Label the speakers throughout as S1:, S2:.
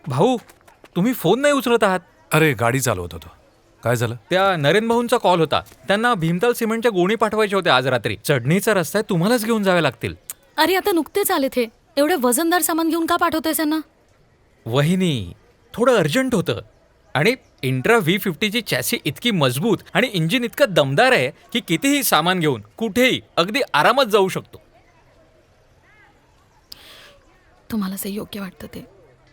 S1: भाऊ, तुम्ही फोन नाही उचलत आहात.
S2: अरे गाडी चालवत होतो. काय झालं?
S1: त्या नरेन भाऊंचा कॉल होता. त्यांना भीमताल सिमेंटच्या गोणी पाठवायच्या होत्या आज रात्री. चढणीचा रस्ता आहे, तुम्हालाच घेऊन जावे लागतील.
S3: अरे आता नुकतेच आले थे. एवढे वजनदार सामान घेऊन का पाठवतोय त्यांना?
S1: वहिनी, थोडं अर्जंट होतं. आणि इंट्रा V50ची चॅसी इतकी मजबूत आणि इंजिन इतकं दमदार आहे की कितीही सामान घेऊन कुठेही अगदी आरामात जाऊ शकतो.
S3: तुम्हाला जे योग्य वाटतं ते.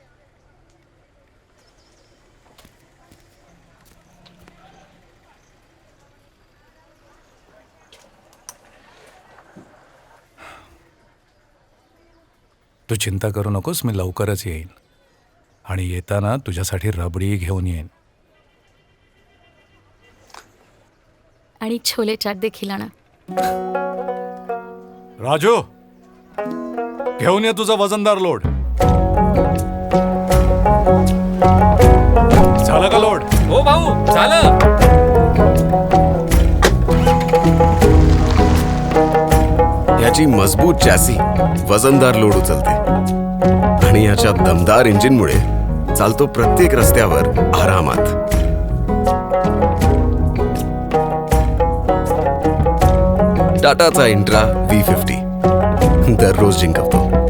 S2: तू चिंता करू नकोस, मी लवकरच येईन. आणि येताना तुझ्यासाठी रबडी घेऊन येईन.
S3: आणि छोले चाट देखील आणा.
S2: राजू, घेऊन ये तुझा वजनदार लोड. झालं का लोड?
S1: हो भाऊ, झालं.
S4: याची मजबूत चॅसी वजनदार लोड उचलते आणि याच्या दमदार इंजिनमुळे चालतो प्रत्येक रस्त्यावर आरामात. टाटाचा इंट्रा V50 दररोज जिंकवतो.